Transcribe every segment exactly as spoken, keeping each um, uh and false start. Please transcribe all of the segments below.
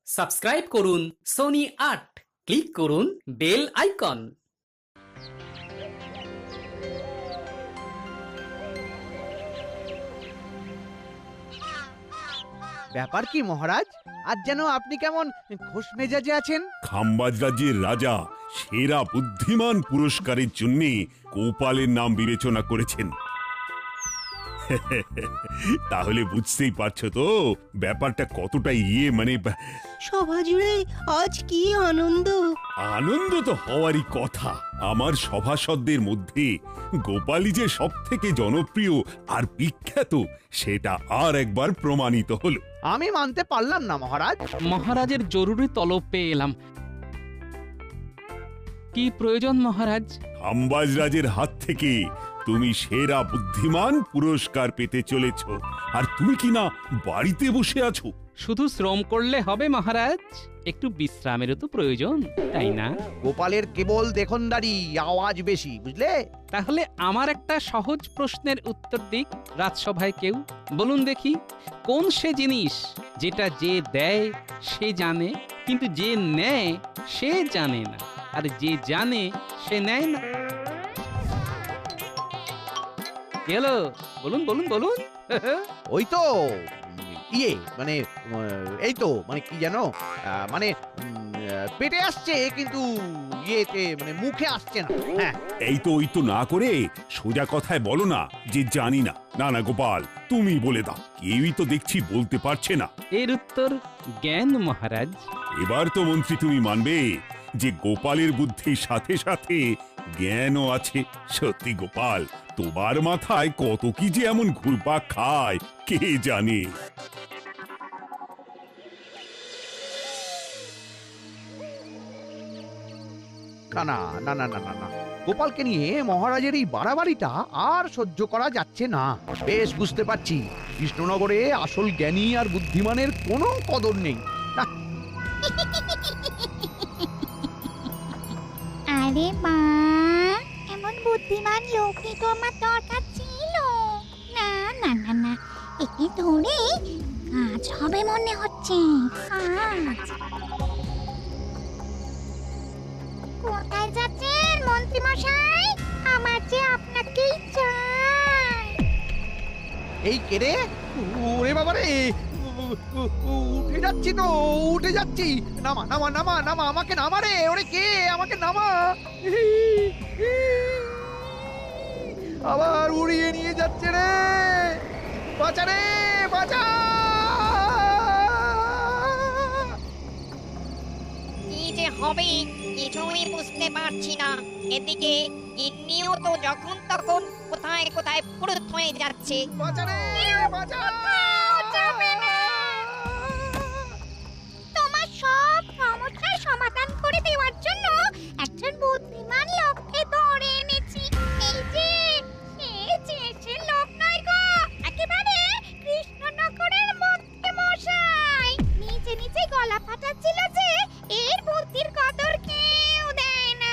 Subscribe করুন Sony আট, click করুন বেল আইকন। ব্যাপার কি মহারাজ, আজ যেন আপনি কেমন খোশ মেজাজে আছেন? খাম্বাজ রাজ্যের রাজা সেরা বুদ্ধিমান পুরস্কারের জন্য গোপালের নাম বিবেচনা করেছেন। তাহলে বুঝতেই পারছো তো ব্যাপারটা কতটা ইয়ে মানে সভা জুড়ে আজ কি আনন্দ। আনন্দ তো হওয়ারই কথা। আমার সভাসদদের মধ্যে গোপালই যে সব থেকে জনপ্রিয় আর বিখ্যাত সেটা আর একবার প্রমাণিত হলো। আমি মানতে পারলাম না মহারাজ। মহারাজের জরুরি তলব পেয়ে এলাম। কি প্রয়োজন মহারাজ? খাম্বাজ রাজের হাত থেকে তুমি সেরা বুদ্ধিমান পুরস্কার পেতে চলেছ, আর তুমি কি না বাড়িতে বসে আছো? শুধু শ্রম করলে হবে মহারাজ, একটু বিশ্রামেরও তো প্রয়োজন, তাই না? গোপালের কেবল দেখনদারি, আওয়াজ বেশি, বুঝলে? তাহলে আমার একটা সহজ প্রশ্নের উত্তর দিক রাজসভায় কেউ। বলুন দেখি, কোন সে জিনিস যেটা যে দেয় সে জানে, কিন্তু যে নেয় সে জানে না, আর যে জানে সে নেয় না? গেল, বলুন বলুন বলুন। ওই তো ইয়ে মানে এই তো মানে কি জানো, মানে পেটে আসছে কিন্তু ইয়েতে মানে মুখে আসছে না। হ্যাঁ, এই তো ওই তো না করে সোজা কথায় বলো না যে জানি না। না না গোপাল, তুমি বলে দাও, কেউই তো দেখছি বলতে পারছে না। এর উত্তর জ্ঞান মহারাজ। এবার তো মন্ত্রী তুমি মানবে যে গোপালের বুদ্ধির সাথে সাথে জ্ঞানও আছে। সত্যি গোপাল, তোমার মাথায় কত কি যে এমন ঘুরপাক খায় কে জানে। না না না না না না না গোপালকে নিয়ে মহারাজের এই বাড়াবাড়িটা আর সহ্য করা যাচ্ছে না। বেশ বুঝতে পারছি কৃষ্ণনগরে আসল জ্ঞানী আর বুদ্ধিমানের কোনো কদর নেই। আরে মা, এমন বুদ্ধিমান লোকই তো আমার দরকার ছিল। না না না না একে ধরে কাজ হবে মনে হচ্ছে। কাজ কোথায় যাচ্ছেন মন্ত্রী মশাই? আমার যে আপনাকেই চাই। এই কেড়ে ওরে বাবা রে, উঠে যাচ্ছি তো উঠে যাচ্ছি। নামা নামা নামা নামা আমাকে নামা রে, ওরে কে আমাকে নামা। আবার উড়িয়ে নিয়ে যাচ্ছে রে, বাঁচা রে বাঁচা। কি যে হবে কিছুই বুঝতে পারছি না। এদিকে গিন্নিও তো যখন তখন কোথায় কোথায় ফুরুত হয়ে যাচ্ছে। বাঁচা রে বাঁচা। তোমার সব সমস্যার সমাধান করে দেওয়ার জন্য একজন বুদ্ধিমান লোককে ধরে এনেছি। এই যে সে যে সে লোক নয় গো, একেবারে কৃষ্ণনগরের মন্ত্রী মশাই। নিচে নিচে গলা ফাটাচ্ছিল যে এর বুদ্ধির কদর কেউ দেয় না।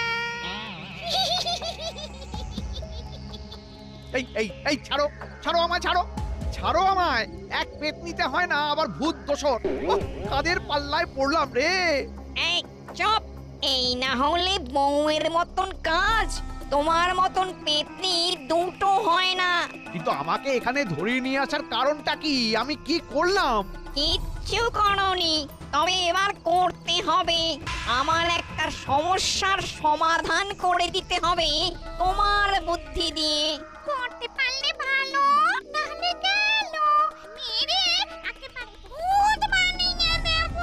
এই এই এই ছাড়ো ছাড়ো আমায়, ছাড়ো ছাড়ো আমায়। এক পেট নিতে হয় না আবার ভূত দোষর। কাদের পাল্লায় পড়লাম রে। এই চুপ! এই না হলে বউয়ের মতন কাজ, তোমার মতন পেতনির দুটো হয় না। কিন্তু আমাকে এখানে ধরে নিয়ে আসার কারণটা কি? আমি কি করলাম? কিচ্ছু করনি, তবে এবার করতে হবে। আমার একটা সমস্যার সমাধান করে দিতে হবে তোমার বুদ্ধি দিয়ে। করতে পারলে ভালো, নাহলে গেল মেরে একেবারে ভূত বানিয়ে দেব।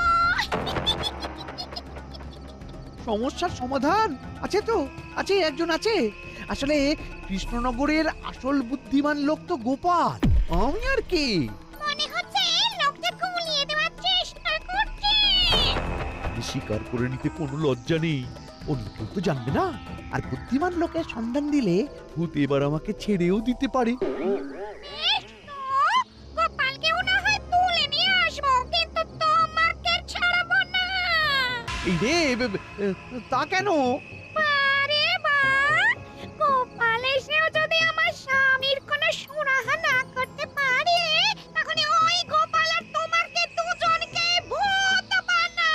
সমস্যার সমাধান আছে তো, আছে, একজন আছে। আসলে কৃষ্ণনগরের আসল বুদ্ধিমান লোক তো গোপাল, আমি আর কি। মনে হচ্ছে লোকটা গুলিয়ে দেওয়ার চেষ্টা করছে। স্বীকার করে নিতে কোনো লজ্জা নেই, অন্য কেউ তো জানবে না। আর বুদ্ধিমান লোকের সন্ধান দিলে ভূত এবার আমাকে ছেড়েও দিতে পারে। বেশ তো, গোপালকেও না হয় তুলে নিয়ে আসবো, কিন্তু তোমাকে ছাড়বো না। এই রে, বে- বে- তা কেন? আরে বাহ, গোপাল এসেও যদি আমার স্বামীর কোনো সুরাহা না করতে পারে, তাহলে ওই গোপাল আর তোমাকে দুজনকে ভূত বানাবে।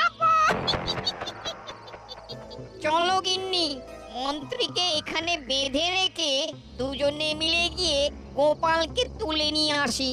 মন্ত্রীকে এখানে বেঁধে রেখে দুজনে মিলে গিয়ে গোপালকে তুলে নিয়ে আসি।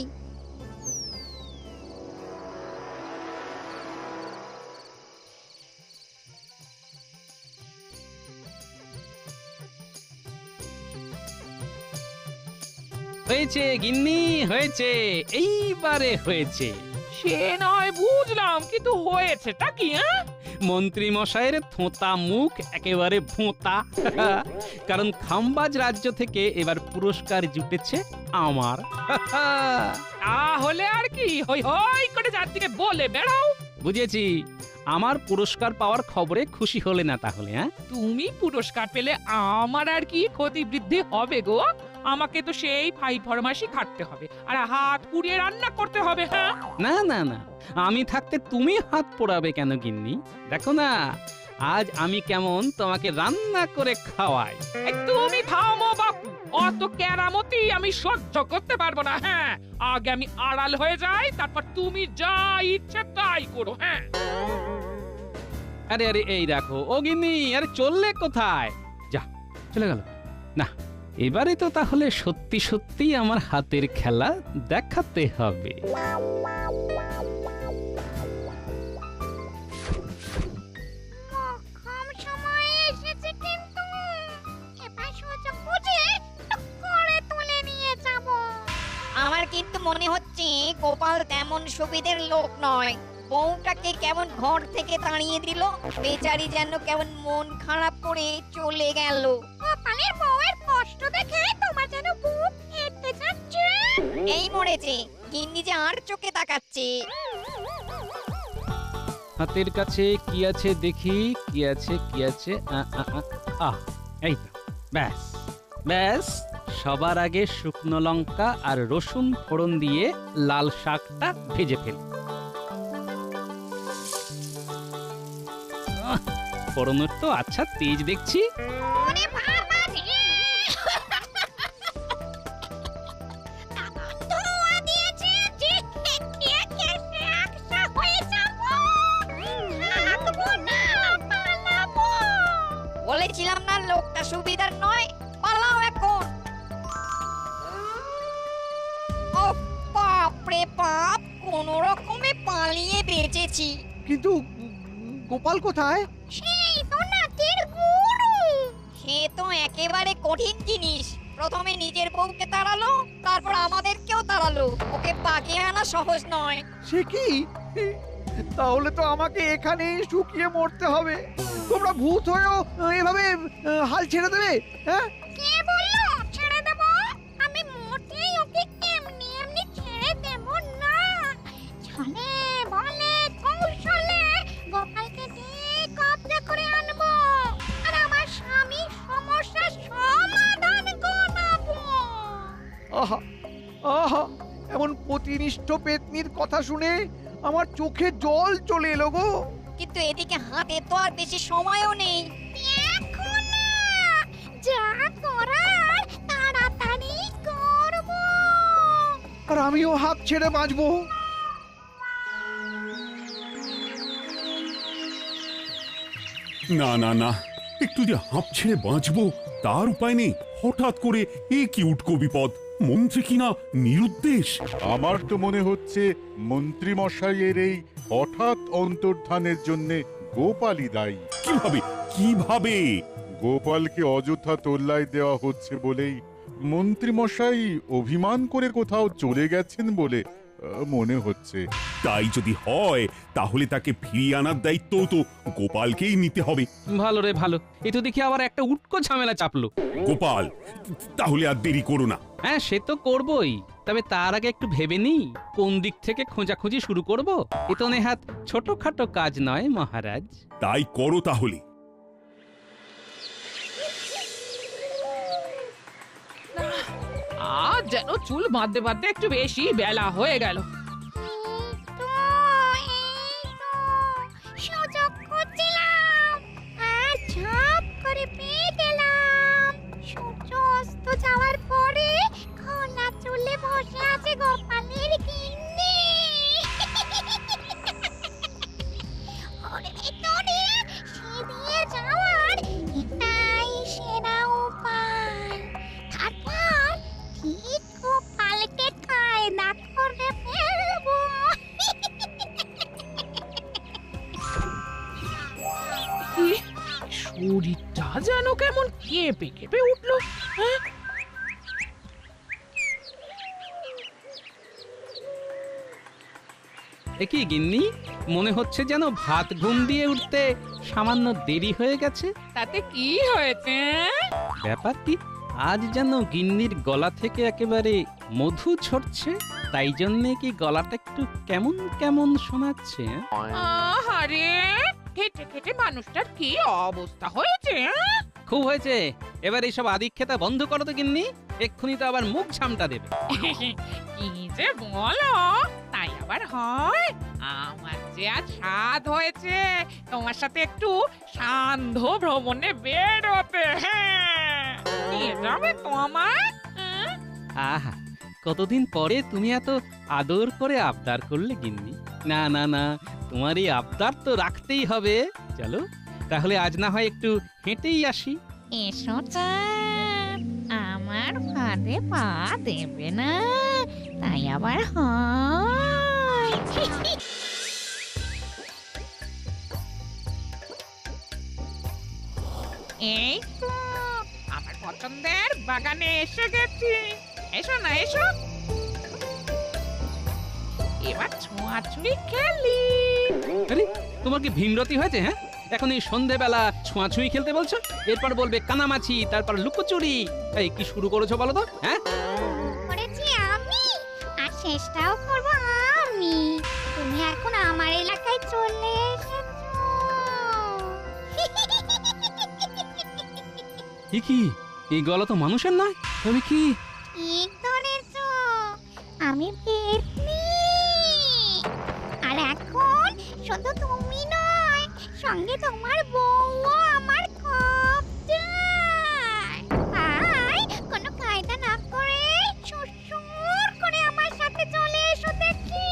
হয়েছে গিন্নি, হয়েছে, এইবারে হয়েছে। সে নয় বুঝলাম, কিন্তু হয়েছেটা কি? হ্যাঁ, মন্ত্রী মশাইয়ের থোঁতা মুখ একেবারে ভোঁতা। কারণ খাম্বাজ রাজ্য থেকে এবার পুরস্কার জুটেছে আমার। তাহলে আর কি হই হই করে যার দিকে বলে বেড়াও। বুঝেছি, আমার পুরস্কার পাওয়ার খবরে খুশি হলে না তাহলে? হ্যাঁ, তুমি পুরস্কার পেলে আমার আর কি ক্ষতি বৃদ্ধি হবে গো? আমাকে তো সেই ফাই ফরমাসি খাটতে হবে, আর হাত পুড়িয়ে রান্না করতে হবে। হ্যাঁ, না না না, আমি থাকতে তুমি হাত পোড়াবে কেন গিন্নি? দেখো না, আজ আমি কেমন তোমাকে রান্না করে খাওয়াই। এই তুমি থামো বাপু, অত কেরামতি আমি সহ্য করতে পারবো না। হ্যাঁ, আগে আমি আড়াল হয়ে যাই, তারপর তুমি যা ইচ্ছে তাই করো। হ্যাঁ, আরে আরে এই দেখো, ও গিন্নি, আরে চললে কোথায়? যা, চলে গেল। না, এবারে তো তাহলে সত্যি সত্যি আমার হাতের খেলা দেখাতে হবে। কম সময়ে এসেছে, কিন্তু এবার সুযোগ বুঝে টুক করে তুলে নিয়ে যাব। আমার কিন্তু মনে হচ্ছে গোপাল তেমন সুবিধের লোক নয়। বউটাকে কেমন ঘর থেকে তাড়িয়ে দিল, বেচারি যেন কেমন মন খারাপ করে চলে গেল। গোপালের বউয়ের কষ্ট দেখে তোমার যেন বুক ফেটে যাচ্ছে। এই মরেছে, গিন্নি যে আর চোখে তাকাচ্ছে। হাতের কাছে কি আছে দেখি, কি আছে কি আছে? আ, আ, আ, আহ, এই তো, ব্যাস ব্যাস। সবার আগে শুকনো লঙ্কা আর রসুন ফোড়ন দিয়ে লাল শাকটা ভেজে ফেল। ফোড়নের তো আচ্ছা তেজ দেখছি। ওরে বাবা রে, ধোঁয়া দিয়েছে যে খেয়ে খেয়ে একসা হয়ে যাব। থাকবো না, পালাবো। বলেছিলাম না লোকটা সুবিধার নয়, পালাও এখন। ও বাপরে বাপ, কোন রকমে পালিয়ে বেঁচেছি। কিন্তু গোপাল কোথায়? সেই তো নাটের গুরু। সে তো একেবারে কঠিন জিনিস। প্রথমে নিজের বউকে তাড়ালো, তারপর আমাদেরকেও তাড়ালো। ওকে বাগিয়ে আনা সহজ নয়। সে কি? তাহলে তো আমাকে এখানেই শুকিয়ে মরতে হবে। তোমরা ভূত হয়েও এভাবে আহ, হাল ছেড়ে দেবে? হ্যাঁ, কে বললো ছেড়ে দেব? আমি মোটেই ওকে এমনি এমনি ছেড়ে দেব না। ছলে বলে কৌশলে গোপালকে ঠিক কবজা করে আনবো, আর আমার স্বামীর সমস্যার সমাধান করাবো। আহা আহা, এমন প্রতিনিষ্ঠ পেতনির কথা শুনে আমার চোখে জল চলে এলো গো। কিন্তু এদিকে হাতে তো আর বেশি সময়ও নেই। দেখো না, যা করার তাড়াতাড়ি করবো। আর আমিও হাত ছেড়ে বাঁচবো। না না না, একটু যে হাঁপ ছেড়ে বাঁচবো তার উপায় নেই। হঠাৎ করে এ কি উটকো বিপদ! মন্ত্রী কিনা নিরুদ্দেশ। আমার তো মনে হচ্ছে মন্ত্রী মশাইয়ের এই হঠাৎ অন্তর্ধানের জন্য গোপালই দায়ী। কিভাবে কিভাবে? গোপালকে অযথা তোল্লাই দেওয়া হচ্ছে বলেই মন্ত্রী মশাই অভিমান করে কোথাও চলে গেছেন বলে আহ, মনে হচ্ছে। তাই যদি হয় তাহলে তাকে ফিরিয়ে আনার দায়িত্ব তো গোপালকেই নিতে হবে। ভালো রে ভালো, এ তো দেখি আবার একটা উটকো ঝামেলা চাপলো। গোপাল, তাহলে আর দেরি করো না। হ্যাঁ, সে তো করবই, তবে তার আগে একটু ভেবে নিই কোন দিক থেকে খোঁজাখুঁজি শুরু করব। এ তো নেহাত ছোটখাটো কাজ নয় মহারাজ। তাই করো তাহলে। আজ যেন চুল বাঁধতে বাঁধতে একটু বেশি বেলা হয়ে গেল। এই তো, এই তো, সুযোগ খুঁজছিলাম, আর ঝপ করে পেয়ে গেলাম। সূর্য অস্ত যাওয়ার পরে খোলা চুলে বসে আছে গোপালের গিন্নি। ওর ভেতরে সে দিয়ে যাওয়ার এটাই শেষ শরীরটা যেন কেমন কেঁপে কেঁপে উঠলো। হ্যাঁ, একই গিন্নি, মনে হচ্ছে যেন ভাত ঘুম দিয়ে উঠতে সামান্য দেরি হয়ে গেছে। তাতে কি হয়েছে? ব্যাপার কি, আজ যেন গিন্নির গলা থেকে একেবারে মধু ঝরছে, তাই জন্যে কি গলাটা একটু কেমন কেমন শোনাচ্ছে? আহারে, খেটে খেটে মানুষটার কি অবস্থা হয়েছে? হ্যাঁ? খুব হয়েছে, এবার এইসব আদিক্ষেতা বন্ধ করো তো গিন্নি, এক্ষুনি তো আবার মুখ ঝামটা দেবে। কি যে বলো, তাই আবার হয়? আমার যে আজ স্বাদ হয়েছে তোমার সাথে একটু সান্ধ্য ভ্রমণে বেরোতে। হ্যাঁ, নিয়ে যাবে তো আমায়? হ্যাঁ? আহা, কতদিন পরে তুমি এত আদর করে আবদার করলে গিন্নি। না না না, তোমার এই আবদার তো রাখতেই হবে। চলো তাহলে আজ না হয় একটু হেঁটেই আসি। এসো চাঁদ, আমার ফাঁদে পা দেবে না, তাই আবার হয়। এই তো আমার পছন্দের বাগানে এসে গেছি। এসো না, এসো, এবার ছোঁয়াছুঁই খেলি। আরে, তোমার কি ভীমরতি হয়েছে? হ্যাঁ, এখন এই সন্ধেবেলা ছোঁয়াছুঁই খেলতে বলছো, এরপর বলবে কানামাছি, তারপর লুকোচুরি। এই কি শুরু করেছো বলো তো? হ্যাঁ, করেছি আমি, আর শেষটাও করব আমি। তুমি এখন আমার এলাকায় চলে এসেছো। এ কি, এই গলা তো মানুষের নয়, তবে কি? ঠিক ধরেছো, আমি পেতনি। আর এখন শুধু তুমি নয়, সঙ্গে তোমার বউও আমার খুব চাই। তাই কোনো কায়দা না করে সুর করে আমার সাথে চলে এসো দেখি।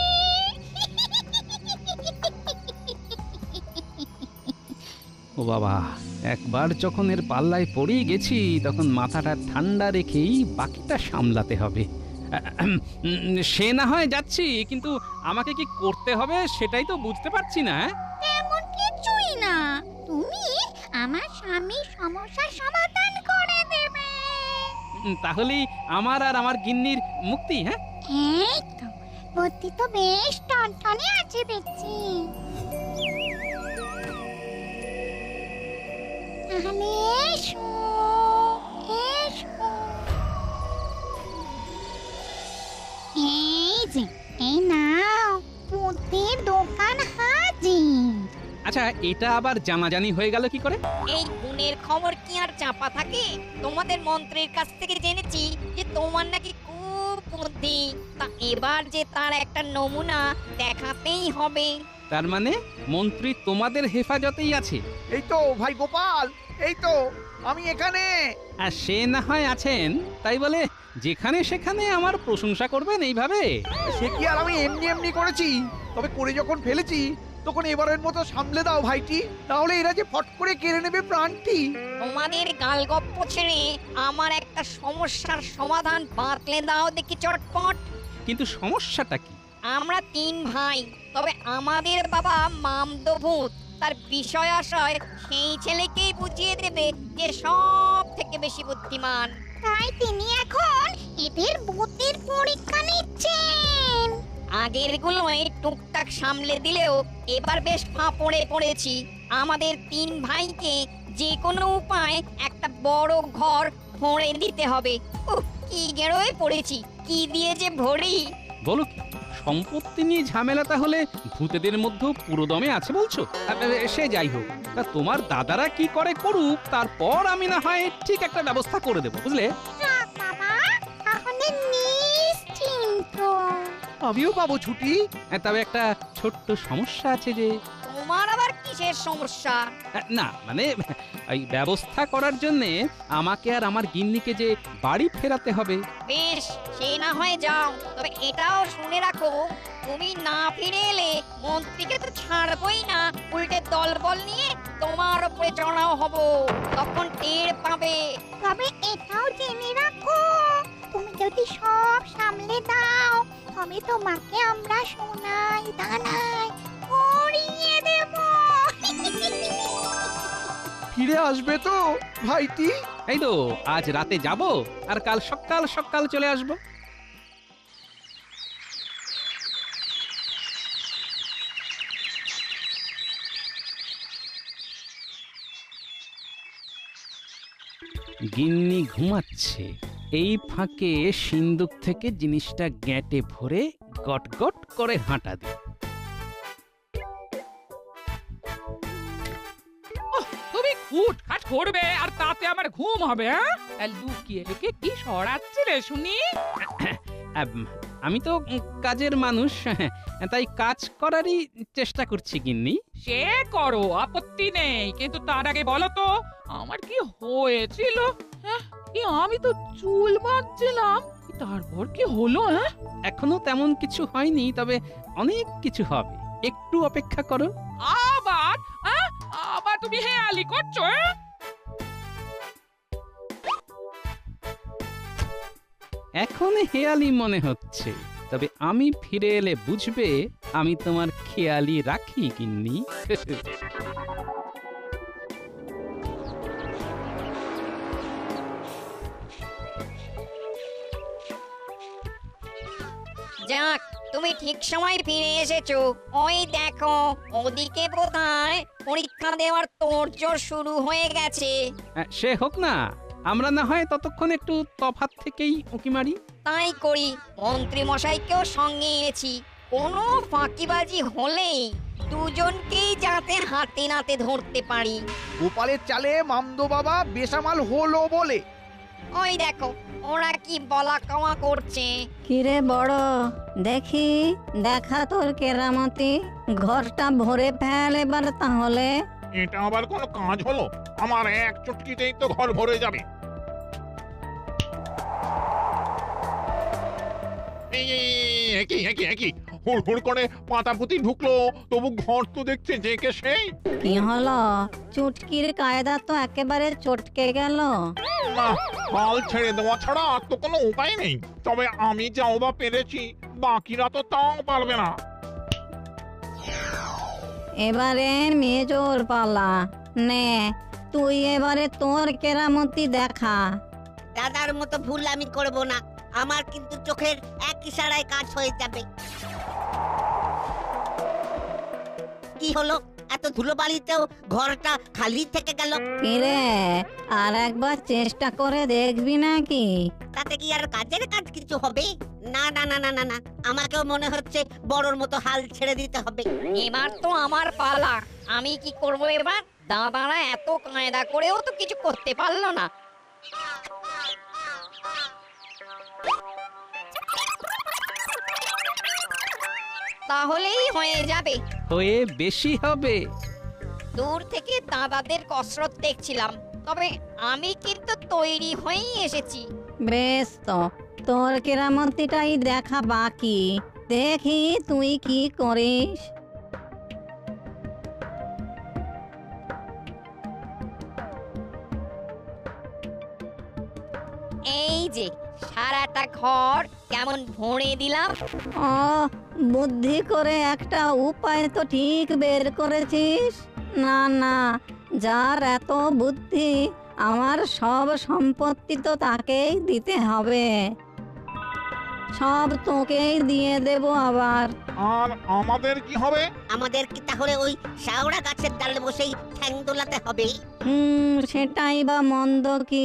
ও বাবা, একবার যখন এর পাল্লায় পড়েই গেছি, তখন মাথাটা ঠান্ডা রেখেই বাকিটা সামলাতে হবে। আহম, উম, সে না হয় যাচ্ছি, কিন্তু আমাকে কি করতে হবে সেটাই তো বুঝতে পারছি না। হ্যাঁ? তেমন কিছুই না, তুমি আমার স্বামীর সমস্যার সমাধান করে দেবে। উম, তাহলেই আমার আর আমার গিন্নির মুক্তি। হ্যাঁ, এই তো, বুদ্ধি তো বেশ টনটনে আছে দেখছি। তাহলে এসো, এসো। এই যে, এই নাও, বুদ্ধির দোকান হাজির। আচ্ছা, এটা আবার জানাজানি হয়ে গেল কি করে? এই গুণের খবর কি আর চাপা থাকে? তোমাদের মন্ত্রীর কাছ থেকে জেনেছি যে তোমার নাকি খুব বুদ্ধি। তা এবার যে তার একটা নমুনা দেখাতেই হবে। তার মানে মন্ত্রী তোমাদের হেফাজতেই আছে? এই তো ভাই গোপাল, এই তো আমি এখানে। আর সে না হয় আছেন, তাই বলে যেখানে সেখানে আমার প্রশংসা করবেন এইভাবে? সে কি আর আমি এমনি এমনি করেছি? তবে করে যখন ফেলেছি, তখন এবারের মতো সামলে দাও ভাইটি, তাহলে এরা যে ফট করে কেড়ে নেবে প্রাণটি। তোমাদের গালগপ্প ছেড়ে আমার একটা সমস্যার সমাধান বাতলে দাও দেখি চটপট। কিন্তু সমস্যাটা কি? আমরা তিন ভাই, তবে আমাদের বাবা মামদভূত। তার বিষয় আশয় সেই ছেলেকেই বুঝিয়ে দেবে যে সব থেকে বেশি বুদ্ধিমান। তাই তিনি এখন এদের বুদ্ধির পরীক্ষা নিচ্ছেন। আগের গুলোই টুকটাক সামলে দিলেও এবার বেশ ফাঁপড়ে পড়েছি। আমাদের তিন ভাইকে যে কোনো উপায় একটা বড় ঘর ভরে দিতে হবে। উহ, কি গেরোয় পড়েছি, কি দিয়ে যে ভরি। বলো কি, সম্পত্তি নিয়ে ঝামেলা তাহলে ভূতেদের মধ্যেও পুরোদমে আছে বলছো? আ, আ, সে যাই হোক, তা তোমার দাদারা কি করে করুক, তারপর আমি না হয় ঠিক একটা ব্যবস্থা করে দেবো, বুঝলে? যাক বাবা, তাহলে নিশ্চিন্ত। আমিও পাবো ছুটি। আ, তবে একটা ছোট্ট সমস্যা আছে যে। তোমার আবার কিসের সমস্যা? আ, না মানে এই ব্যবস্থা করার জন্য আমাকে আর আমার গিন্নিকে যে বাড়ি ফেরাতে হবে। বেশ, সে না হয় যাও, তবে এটাও শুনে রাখো, তুমি না ফিরে এলে মন্ত্রীকে তো ছাড়বই না, উল্টে দলবল নিয়ে তোমার উপরে চড়াও হব, তখন টের পাবে। তবে এটাও জেনে রাখো, তুমি যদি সব সামলে দাও, তবে তোমাকে আমরা সোনায় দানায় ভরিয়ে দেব। ফিরে আসবে তো ভাইটি? এই তো আজ রাতে যাব আর কাল সকাল সকাল চলে আসব। গিন্নি ঘুমাচ্ছে, এই ফাঁকে সিন্দুক থেকে জিনিসটা গ্যাঁটে ভরে গট গট করে হাঁটা দিই। তুমি খুটখাট করবে আর তাতে আমার ঘুম হবে? হ্যাঁ, তা লুকিয়ে লুকিয়ে কি সরাচ্ছিলে শুনি? আম, আমি তো উম, কাজের মানুষ, তাই কাজ করারই চেষ্টা করছি গিন্নি। সে করো, আপত্তি নেই, কিন্তু তার আগে বলো তো আমার কি হয়েছিল? হ্যাঁ, এই আমি তো চুল বাঁধছিলাম, তারপর কি হলো? হ্যাঁ, এখনো তেমন কিছু হয়নি, তবে অনেক কিছু হবে, একটু অপেক্ষা করো। আবার হ্যাঁ, আবার তুমি হেয়ালি করছো? হ্যাঁ? এখন হেয়ালি মনে হচ্ছে, তবে আমি ফিরে এলে বুঝবে আমি তোমার খেয়ালি রাখি গিন্নি। যাক, তুমি ঠিক সময় ফিরে এসেছো। ওই দেখো, ওদিকে বোধহয় পরীক্ষা দেওয়ার তোড়জোড় শুরু হয়ে গেছে। আহ, সে হোক না, আমরা না হয় ততক্ষণ একটু তফাৎ থেকেই উঁকি মারি। তাই করি, মন্ত্রী মশাইকেও সঙ্গে এনেছি। কোনো ফাঁকিবাজি হলেই দুজনকেই যাতে হাতে নাতে ধরতে পারি। গোপালের চালে মামদো বাবা বেসামাল হলো বলে। ওই দেখো, ওরা কি বলা কওয়া করছে। কিরে বড়, দেখি দেখা তোর কেরামতি, ঘরটা ভরে ফেল এবার তাহলে। এটা আবার কোনো কাজ হলো? আমার এক চুটকিতেই তো ঘর ভরে যাবে। এই, এই, এই, একই একই একই হুড় হুড় করে পাতা পুঁতি ঢুকলো, তবু ঘর তো দেখছে যে কে সেই। কি হলো? চুটকির কায়দা তো একেবারে চটকে গেল। না, হাল ছেড়ে দেওয়া ছাড়া আর তো কোনো উপায় নেই। তবে আমি যাও বা পেরেছি, বাকিরা তো তাও পারবে না। এবারে মেজোর পালা, নে তুই এবারে তোর কেরামতি দেখা। দাদার মতো ভুল আমি করব না, আমার কিন্তু চোখের এক ইশারায় কাজ হয়ে যাবে। কি হলো, এত ধুলোবালিতেও ঘরটা খালি থেকে গেল। কিরে, আর একবার চেষ্টা করে দেখবি নাকি? তাতে কি আর কাজের কাজ কিছু হবে? না না না না না না, আমাকেও মনে হচ্ছে বড়র মতো হাল ছেড়ে দিতে হবে। এবার তো আমার পালা, আমি কি করব এবার? দাদারা এত কায়দা করেও তো কিছু করতে পারলো না। তাহলেই হয়ে যাবে। হয়ে বেশি হবে। দূর থেকে দাদাদের কসরত দেখছিলাম, তবে আমি কিন্তু তৈরি হয়েই এসেছি। বেশ তো, তোর কেরামতিটাই দেখা বাকি, দেখি তুই কি করিস। এই যে সারাটা ঘর কেমন ভরে দিলাম। ও, বুদ্ধি করে একটা উপায় তো ঠিক বের করেছিস। না না, যার এত বুদ্ধি, আমার সব সম্পত্তি তো তাকেই দিতে হবে, সব তোকেই দিয়ে দেব আবার। আর আমাদের কি হবে? আমাদের কি তাহলে ওই শাওড়া গাছের ডালে বসেই ঠ্যাং দোলাতে হবে? হুম, সেটাই বা মন্দ কি?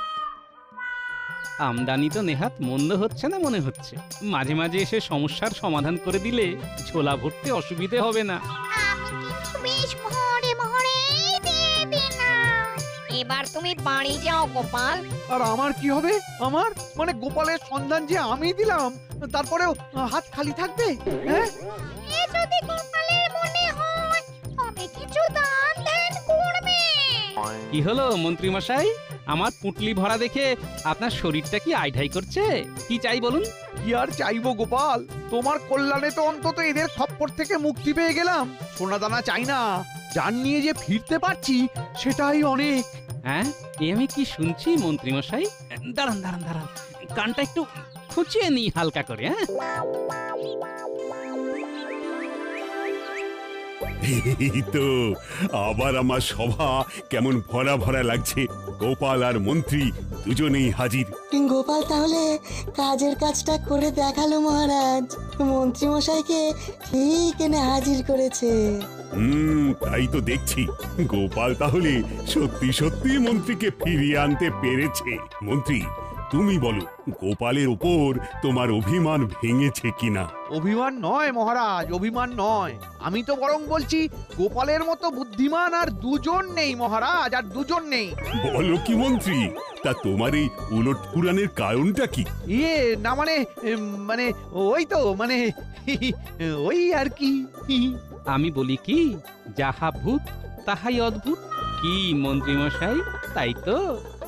আমদানি তো নেহাত মন্দ হচ্ছে না মনে হচ্ছে, মাঝে মাঝে এসে সমস্যার সমাধান করে দিলে ঝোলা ভরতে অসুবিধে হবে না। আমি কিন্তু বেশ ভরে ভরে দিয়ে দিলাম। এবার তুমি বাড়ি যাও গোপাল। আর আমার কি হবে? আমার মানে গোপালের সন্ধান যে আমি দিলাম, তারপরেও হাত খালি থাকবে? হ্যাঁ, এ যদি গোপালের মনে হয় তবে কিছু দান ধ্যান করবে। কি হলো মন্ত্রী মশাই, আমার পুটলি ভরা দেখে আপনার শরীরটা কি আইঢাই করছে? কি চাই বলুন? কি আর চাইবো গোপাল, তোমার কল্যাণে তো অন্তত এদের খপ্পর থেকে মুক্তি পেয়ে গেলাম। সোনা দানা চাই না, যার নিয়ে যে ফিরতে পারছি সেটাই অনেক। হ্যাঁ, এ আমি কি শুনছি মন্ত্রী মশাই? দাঁড়ান দাঁড়ান দাঁড়ান, কানটা একটু খুঁচিয়ে নিই হালকা করে। হ্যাঁ, এই তো আবার আমার সভা কেমন ভরা ভরা লাগছে। গোপাল আর মন্ত্রী দুজনেই হাজির। গোপাল তাহলে কাজের কাজটা করে দেখালো মহারাজ, মন্ত্রী মশাইকে ঠিক এনে হাজির করেছে। হুম, তাই তো দেখছি। গোপাল তাহলে সত্যি সত্যি মন্ত্রীকে ফিরিয়ে আনতে পেরেছে। মন্ত্রী, তুমি বলো, গোপালের উপর তোমার অভিমান ভেঙেছে কিনা? অভিমান নয় মহারাজ, অভিমান নয়। আমি তো বরং বলছি গোপালের মতো বুদ্ধিমান আর দুজন নেই মহারাজ, আর দুজন নেই। বলো কি মন্ত্রী, তা তোমার এই উলট পুরাণের কারণটা কি? ইয়ে না মানে এম, মানে ওই তো মানে ওই আর কি। আমি বলি কি, যাহা ভূত তাহাই অদ্ভুত। কি মন্ত্রী মশাই, তাই তো?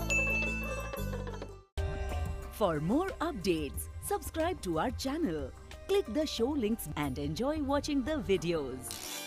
For more updates, subscribe to our channel, click the show links and enjoy watching the videos.